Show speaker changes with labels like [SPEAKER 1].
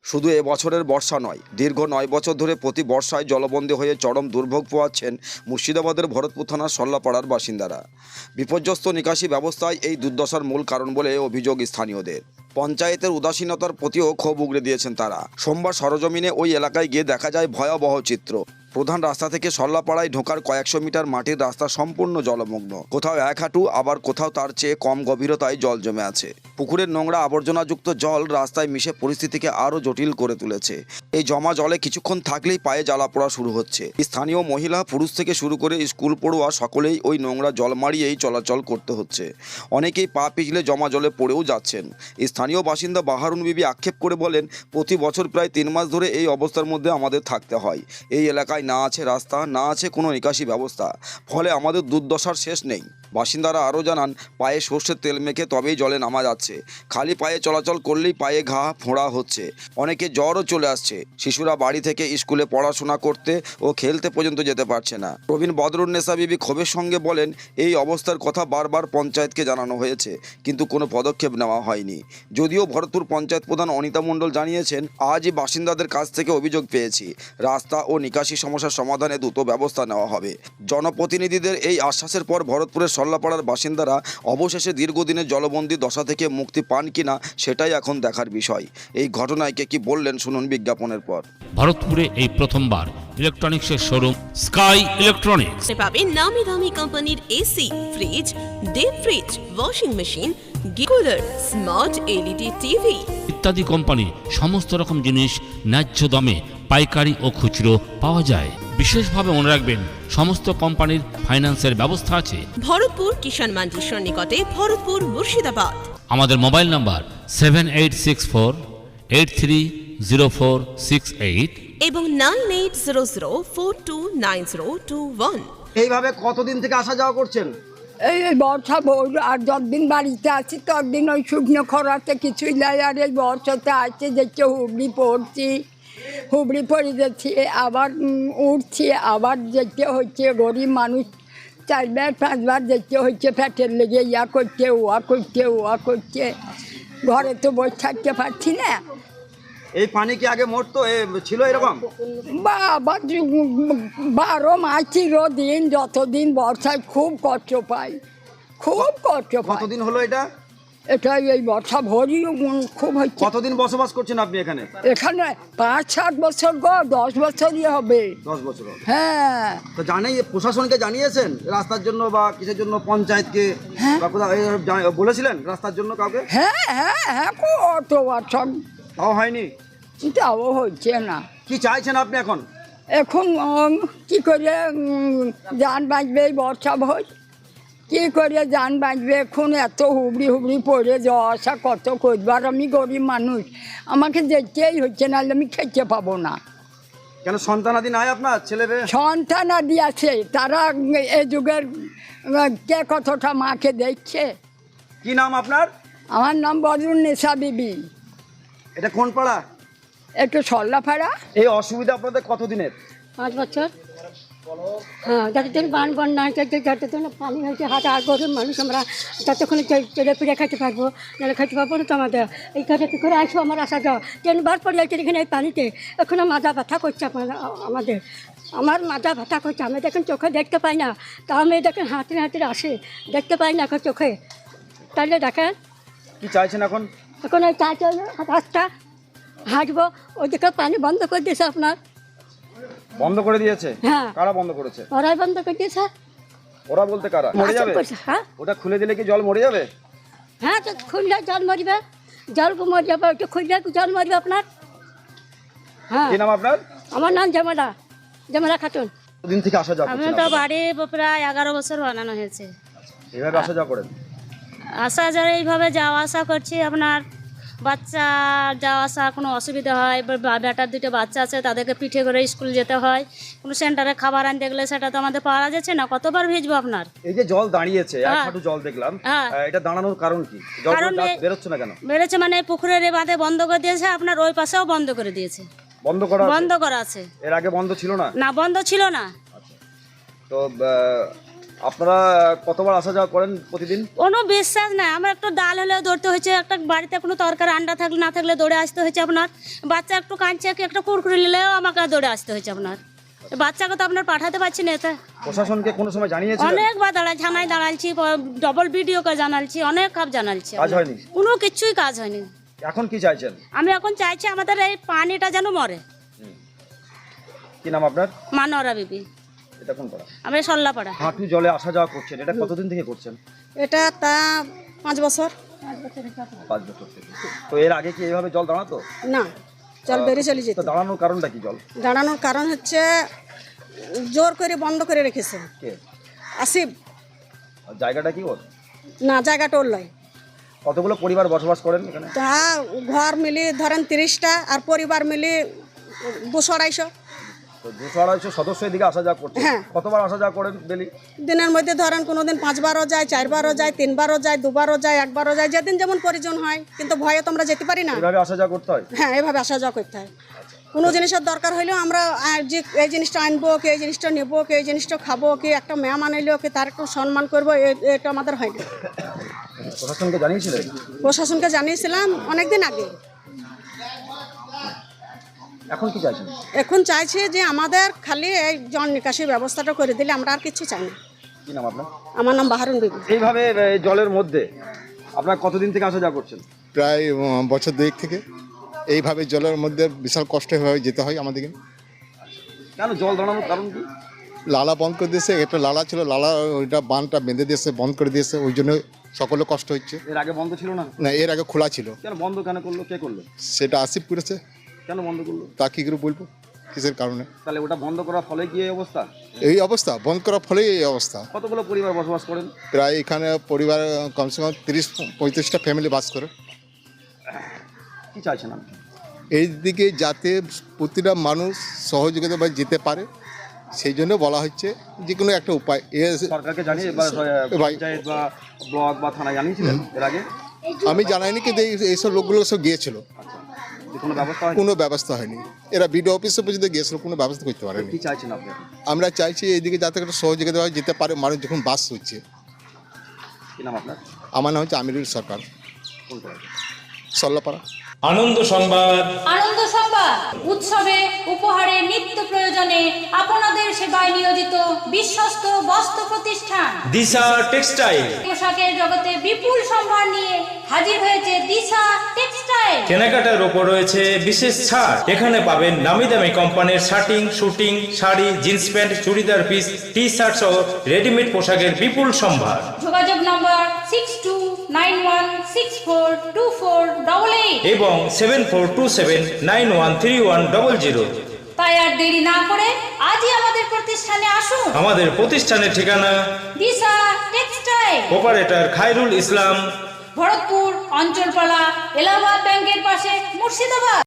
[SPEAKER 1] শুধু এবছরের বর্ষা নয়, দীর্ঘ 9 বছর ধরে প্রতি বর্ষায় জলবন্দী হয়ে চরম দুর্ভোগ পোহাচ্ছেন মুর্শিদাবাদের ভরতপুর থানার সল্লাপাড়ার বাসিন্দারা। বিপর্যস্ত নিকাশি ব্যবস্থায় এই দুর্দশার মূল কারণ বলে অভিযোগ স্থানীয়দের। পঞ্চায়েতের উদাসীনতার প্রতিও ক্ষোভ উগরে দিয়েছেন তারা। সোমবার সরজমিনে ওই এলাকায় গিয়ে দেখা যায় ভয়াবহ চিত্র। প্রধান রাস্তা থেকে সল্লাপাড়ায় ঢোকার কয়েকশো মিটার মাটির রাস্তা সম্পূর্ণ জলমগ্ন, কোথাও 1 হাঁটু, আবার কোথাও তার চেয়ে কম গভীরতায় জল জমে আছে। পুকুরের নোংরা আবর্জনাযুক্ত জল রাস্তায় মিশে পরিস্থিতিকে আরও জটিল করে তুলেছে। এই জমা জলে কিছুক্ষণ থাকলেই পায়ে জ্বালা পোড়া শুরু হচ্ছে। স্থানীয় মহিলা, পুরুষ থেকে শুরু করে স্কুল পড়ুয়া সকলেই ওই নোংরা জল মারিয়েই চলাচল করতে হচ্ছে। অনেকেই পা পিছলে জমা জলে পড়েও যাচ্ছেন। স্থানীয় বাসিন্দা বাহারুন বিবি আক্ষেপ করে বলেন, প্রতি বছর প্রায় 3 মাস ধরে এই অবস্থার মধ্যে আমাদের থাকতে হয়। এই এলাকায় না আছে রাস্তা, না আছে কোনো নিকাশি ব্যবস্থা, ফলে আমাদের দুর্দশার শেষ নেই। বাসিন্দারা আরও জানান, পায়ে সর্ষের তেল মেখে তবেই জলে নামা যাচ্ছে। খালি পায়ে চলাচল করলেই পায়ে ঘা ফোঁড়া হচ্ছে। অনেকে জ্বরও চলে আসছে। শিশুরা বাড়ি থেকে স্কুলে পড়াশোনা করতে ও খেলতে পর্যন্ত যেতে পারছে না। প্রবীণ বদরুন্নেসা বিবি ক্ষোভের সঙ্গে বলেন, এই অবস্থার কথা বারবার পঞ্চায়েতকে জানানো হয়েছে, কিন্তু কোনো পদক্ষেপ নেওয়া হয়নি। যদিও ভরতপুর পঞ্চায়েত প্রধান অনিতা মণ্ডল জানিয়েছেন, আজই বাসিন্দাদের কাছ থেকে অভিযোগ পেয়েছি, রাস্তা ও নিকাশি সমস্যার সমাধানে দ্রুত ব্যবস্থা নেওয়া হবে। জনপ্রতিনিধিদের এই আশ্বাসের পর ভরতপুরের সল্লাপাড়ার বাসিন্দারা অবশেষে দীর্ঘদিনের জলবন্দী দশা থেকে মুক্তি পান কিনা সেটাই এখন দেখার বিষয়। এই ঘটনায় কে কি বললেন শুনুন বিজ্ঞাপনের পর।
[SPEAKER 2] ভারতপুরে এই প্রথমবার ইলেকট্রনিক্সের শোরুম স্কাই ইলেকট্রনিক্স
[SPEAKER 3] পাবেন নামি দামি কোম্পানির AC, fridge, deep fridge, washing machine, cooler, smart LED TV
[SPEAKER 2] ইত্যাদি কোম্পানি সমস্ত রকম জিনিস ন্যায্য দামে পাইকারি ও খুচরো পাওয়া যায়। বিশেষভাবে মনে রাখবেন, সমস্ত কোম্পানির ফাইন্যান্সের ব্যবস্থা আছে।
[SPEAKER 3] ভরতপুর কিষাণ মান্ডির সন্নিকটে, ভরতপুর, মুর্শিদাবাদ।
[SPEAKER 2] আমাদের মোবাইল নাম্বার 7864830468
[SPEAKER 3] এবং 9800429021।
[SPEAKER 1] এইভাবে কতদিন থেকে আসা যাওয়া করছেন?
[SPEAKER 4] এই বর্ষা আর যতদিন বাড়িতে আছি ততদিন ওই শুকনো খরাতে কিছুই নাই। আর এই বর্ষাতে আসছে দেখছি হুবড়ি পড়ে যাচ্ছি, আবার উঠছি, আবার দেখতে হচ্ছে গরিব মানুষ 4বার 5বার দেখতে হচ্ছে পেটের লেগে ইয়া করছে। ঘরে তো বসে থাকতে পারছি না।
[SPEAKER 1] এই পানি কি আগে মরতো ছিল এরকম?
[SPEAKER 4] বাবা 12 মাস চিরদিন, যতদিন বর্ষায় খুব কষ্ট পাই, খুব কষ্ট পাই।
[SPEAKER 1] কতদিন হলো এটা?
[SPEAKER 4] এটাই এই বর্ষা ভরি খুব হচ্ছে।
[SPEAKER 1] কতদিন বসবাস করছেন আপনি এখানে?
[SPEAKER 4] এখানে 5-7 বছর 10 বছরই হবে।
[SPEAKER 1] 10 বছর।
[SPEAKER 4] হ্যাঁ,
[SPEAKER 1] তো প্রশাসনকে জানিয়েছেন রাস্তার জন্য বা কিসের জন্য? পঞ্চায়েতকে বা কোথাও বলেছিলেন রাস্তার জন্য কাউকে?
[SPEAKER 4] হ্যাঁ কত বছর,
[SPEAKER 1] তাও হয়নি?
[SPEAKER 4] তাও হচ্ছে না।
[SPEAKER 1] কি চাইছেন আপনি এখন?
[SPEAKER 4] এখন কি করে যান বাঁচবে এই বর্ষা ভোজ? কী করে যান বাঁচবে? এখন এত হুবড়ি পড়ে যাওয়া আসা কত করবার। আমি গরিব মানুষ, আমাকে যেতেই হচ্ছে, নাহলে আমি খেতে পাবো না।
[SPEAKER 1] কেন সন্তানাদি নাই আপনার? ছেলে
[SPEAKER 4] সন্তানাদি আছে, তারা এ যুগের কে কতটা মাকে দেখছে।
[SPEAKER 1] কি নাম আপনার?
[SPEAKER 4] আমার নাম বদরুন্নেসা বিবি।
[SPEAKER 1] এটা কোন পাড়া?
[SPEAKER 4] একটু সল্লাপাড়া।
[SPEAKER 1] এই অসুবিধা আপনাদের কতদিনের?
[SPEAKER 5] 5 বছর। হ্যাঁ, যতদিন বন্যা যতদিন পানি হয়েছে, হাতে আর গরিব মানুষ আমরা ততক্ষণ চেড়ে ফিরে খাইতে পারবো, নাহলে খাইতে পারবো না তো। আমাদের এইখানে কী করে আসবো? আমার আসা যাওয়া 3 বার পড়ে যাচ্ছে এখানে এই পানিতে। এখনও মাজা ব্যথা করছে আমার মাজা ব্যথা করছে। আমি দেখেন চোখে দেখতে পাই না, তা আমি দেখেন হাতে আসে, দেখতে পাই না এখন চোখে। তাহলে দেখেন
[SPEAKER 1] কি চাইছেন এখন?
[SPEAKER 5] এখন এই চাইছে রাস্তা হাঁটবো, ওইদিকে পানি বন্ধ করে দিয়েছে আপনার।
[SPEAKER 1] বন্ধ করে দিয়েছে?
[SPEAKER 5] হ্যাঁ।
[SPEAKER 1] কারা বন্ধ করেছে?
[SPEAKER 5] ওরাই বন্ধ করে দিয়েছে।
[SPEAKER 1] ওরা বলতে কারা? মরে যাবে?
[SPEAKER 5] হ্যাঁ,
[SPEAKER 1] ওটা খুলে দিলে কি জল মরে যাবে?
[SPEAKER 5] হ্যাঁ, তো খুললে জল মরবে, জল মরে যাবে। ওটা খুললে জল মরবে আপনার। হ্যাঁ।
[SPEAKER 1] কি নাম আপনার?
[SPEAKER 5] আমার নাম জামালা খাতুন।
[SPEAKER 1] দিন থেকে আসা যাওয়া
[SPEAKER 6] আমি
[SPEAKER 1] করছেন
[SPEAKER 6] তো
[SPEAKER 1] আপনারা?
[SPEAKER 6] বাড়ি প্রায় 11 বছর বানানো হয়েছে।
[SPEAKER 1] এইভাবে আসা যাওয়া করেন?
[SPEAKER 6] আসা যাওয়া এইভাবে যাওয়া আসা করছি। আপনার বাচ্চা যাওয়া আসা কোনো অসুবিধা হয়, বেটার 2টো বাচ্চা আছে, তাদেরকে পিঠে করে স্কুল যেতে হয়। কোনো সেন্টারে খাবার আনতে গেলে সেটা তো আমাদের পাওয়া যাচ্ছে না। কতবার ভিজবো আপনার?
[SPEAKER 1] এই যে জল দাঁড়িয়েছে, এক
[SPEAKER 6] হ্যাঁ।
[SPEAKER 1] হাঁটু জল দেখলাম,
[SPEAKER 6] হ্যাঁ।
[SPEAKER 1] এটা দাঁড়ানোর কারণ কি? জল
[SPEAKER 6] কারণ
[SPEAKER 1] বেরোচ্ছে না কেন?
[SPEAKER 6] বেড়েছে মানে পুকুরের এ বাঁধে বন্ধ করে দিয়েছে, আপনার ওই পাশেও বন্ধ করে দিয়েছে।
[SPEAKER 1] বন্ধ
[SPEAKER 6] বন্ধ করা আছে।
[SPEAKER 1] এর আগে বন্ধ ছিল না?
[SPEAKER 6] না, বন্ধ ছিল না।
[SPEAKER 1] তো আপনারা কতবার আসা যাওয়া করেন প্রতিদিন?
[SPEAKER 6] কোনো বিশ্বাস নাই, আমার একটু ডাল হলেও দৌড়তে হয়েছে, একটা বাড়িতে কোনো তরকারি আন্ডা থাকলে না থাকলে দৌড়ে আসতে হয়েছে আপনার, বাচ্চা একটু কাঁদছে কি একটা কুরকুরি নিলেও আমাকে দৌড়ে আসতে হয়েছে আপনার, বাচ্চাকে তো আপনার পাঠাতে পারছি না। এতে
[SPEAKER 1] প্রশাসনকে কোনো সময় জানিয়েছেন?
[SPEAKER 6] অনেকবার থানায় দাঁড়ালছি, ডবল ভিডিওকে জানালছি, অনেক কাপ জানালছি,
[SPEAKER 1] কাজ হয়নি?
[SPEAKER 6] কোনো কিছুই কাজ হয়নি।
[SPEAKER 1] এখন কি চাইছেন?
[SPEAKER 6] আমি এখন চাইছি আমাদের এই পানিটা যেন মরে।
[SPEAKER 1] কি নাম আপনার?
[SPEAKER 6] মানোয়ারা বিবি।
[SPEAKER 1] এটা কোন পাড়া?
[SPEAKER 6] আমরা সল্লাপাড়া।
[SPEAKER 1] হাঁটু জলে আসা যাওয়া করছেন, এটা কতদিন থেকে করছেন?
[SPEAKER 5] এটা তা 5 বছর
[SPEAKER 1] 5 বছর থেকে। তো এর আগে কি এইভাবে জল দাঁড়াতো?
[SPEAKER 5] না, জল বেরিয়ে চলে যেত।
[SPEAKER 1] তো দাঁড়ানোর কারণটা কি? জল
[SPEAKER 5] দাঁড়ানোর কারণ হচ্ছে জোর করে বন্ধ করে রেখেছে
[SPEAKER 1] কে?
[SPEAKER 5] আসিফ।
[SPEAKER 1] আর জায়গাটা কি ওর?
[SPEAKER 5] না, জায়গাটা ওর লয়।
[SPEAKER 1] কতগুলো পরিবার বসবাস করেন এখানে?
[SPEAKER 5] তা ঘর মিলি ধরেন 30টা, আর পরিবার মিলি 200-250।
[SPEAKER 1] তো 200-250 সদস্য এদিকে আসা যাওয়া করছে।
[SPEAKER 5] হ্যাঁ।
[SPEAKER 1] কতবার আসা যাওয়া করেন ডেলি?
[SPEAKER 5] দিনের মধ্যে ধরেন কোনোদিন 5 বারও যায়, 4 বারও যায়, 3 বারও যায়, 2 বারও যায়, 1 বারও যায়, যেদিন যেমন প্রয়োজন হয়। কিন্তু ভয়ে তো আমরা যেতে পারি না।
[SPEAKER 1] এভাবে আসা যাওয়া করতে হয়?
[SPEAKER 5] হ্যাঁ, এভাবে আসা যাওয়া করতে হয়। কোনো জিনিসের দরকার হলেও আমরা যে এই জিনিসটা আনবো, কি এই জিনিসটা নেবো, কি এই জিনিসটা খাবো, কি একটা মেহমান এলো কি তার একটু সম্মান করবো, এটা আমাদের হয় না।
[SPEAKER 1] প্রশাসনকে জানিয়েছিলেন?
[SPEAKER 5] প্রশাসনকে জানিয়েছিলাম অনেক দিন আগে।
[SPEAKER 1] এখন কি চাইছেন?
[SPEAKER 5] এখন চাইছি যে আমাদের খালি এই জল নিকাশির ব্যবস্থাটা করে দিলে আমরা আর কিছু চাই না।
[SPEAKER 1] কি নাম আপনার?
[SPEAKER 5] আমার নাম বাহারুন বিবি।
[SPEAKER 1] এইভাবে এই জলের মধ্যে আপনারা কতদিন থেকে আসা যাওয়া করছেন?
[SPEAKER 7] প্রায় বছর 2 থেকে এইভাবে জলের মধ্যে বিশাল কষ্ট হয়ে যেতে হয় আমাদেরকে।
[SPEAKER 1] কেন জল দাঁড়ানোর কারণ কি?
[SPEAKER 7] লালা বন্ধ করে দিয়েছে, একটা লালা ছিল, লালা ওইটা বাঁধটা বেঁধে দিয়েছে, বন্ধ করে দিয়েছে, ওই জন্য সকলে কষ্ট হচ্ছে।
[SPEAKER 1] এর আগে বন্ধ ছিল না?
[SPEAKER 7] না, এর আগে খোলা ছিল।
[SPEAKER 1] কেন বন্ধ কেন করলো? কে করলো?
[SPEAKER 7] সেটা আসিফ করেছে।
[SPEAKER 1] কেন বন্ধ করলো?
[SPEAKER 7] তা কী করে বলবো কিসের কারণে?
[SPEAKER 1] তাহলে ওটা বন্ধ করার ফলে কি এই অবস্থা?
[SPEAKER 7] এই অবস্থা বন্ধ করার ফলেই এই অবস্থা।
[SPEAKER 1] কতগুলো পরিবার বসবাস করেন?
[SPEAKER 7] প্রায় এখানে পরিবার কমসে কম 30-35টা ফ্যামিলি বাস করে।
[SPEAKER 1] কি চাইছেন আপনি?
[SPEAKER 7] এই দিকে যাতে প্রতিটা মানুষ সহযোগিতা বা যেতে পারে, সেই জন্য বলা হচ্ছে যে কোনো একটা উপায়।
[SPEAKER 1] সরকারকে জানিয়ে বা পঞ্চায়েত বা ব্লক বা থানায় জানিয়েছিলেন এর আগে?
[SPEAKER 7] আমি জানাইনি, কিন্তু এইসব লোকগুলো সব গিয়েছিল,
[SPEAKER 1] যে কোনো ব্যবস্থা হয়?
[SPEAKER 7] কোনো ব্যবস্থা হয়নি। এরা বিডিও অফিসে পর্যন্ত গিয়েছিল, কোনো ব্যবস্থা করতে পারেনি।
[SPEAKER 1] কি চাইছেন আপনি?
[SPEAKER 7] আমরা চাইছি এইদিকে যাতে একটা সহযোগিতা হয়, যেতে পারে মানুষ যখন বাস হচ্ছে।
[SPEAKER 1] কি নাম আপনার?
[SPEAKER 7] আমার নাম হচ্ছে আমিরুল সরকার,
[SPEAKER 1] কোন পাড়া?
[SPEAKER 7] সল্লাপাড়া।
[SPEAKER 8] আনন্দ সংবাদ।
[SPEAKER 9] আনন্দ সংবাদ উৎসবে উপহারে নিত্য প্রয়োজনে আপনাদের সেবায় নিয়োজিত বিশ্বস্ত বস্ত্র প্রতিষ্ঠান
[SPEAKER 8] দিশা টেক্সটাইল।
[SPEAKER 9] পোশাকের জগতে বিপুল সম্ভার নিয়ে হাজির হয়েছে দিশা টেক্সটাইল।
[SPEAKER 8] কেনাকাটার ওপর রয়েছে বিশেষ ছাড়। এখানে পাবেন নামি দামি কোম্পানির shirting, suiting, sari, jeans pant, churidar piece, T shirt সহ রেডিমেড পোশাকের বিপুল সম্ভার।
[SPEAKER 9] যোগাযোগ নম্বর 6291642488
[SPEAKER 8] এবং 7427913100।
[SPEAKER 9] তাই আর দেরি না করে আজই আমাদের প্রতিষ্ঠানে আসুন।
[SPEAKER 8] আমাদের প্রতিষ্ঠানের ঠিকানা
[SPEAKER 9] দিশা টেক্সটাইল,
[SPEAKER 8] অপারেটর খায়রুল ইসলাম,
[SPEAKER 9] ভরতপুর অঞ্চলপালা, এলাহাবাদ ব্যাংকের পাশে, মুর্শিদাবাদ।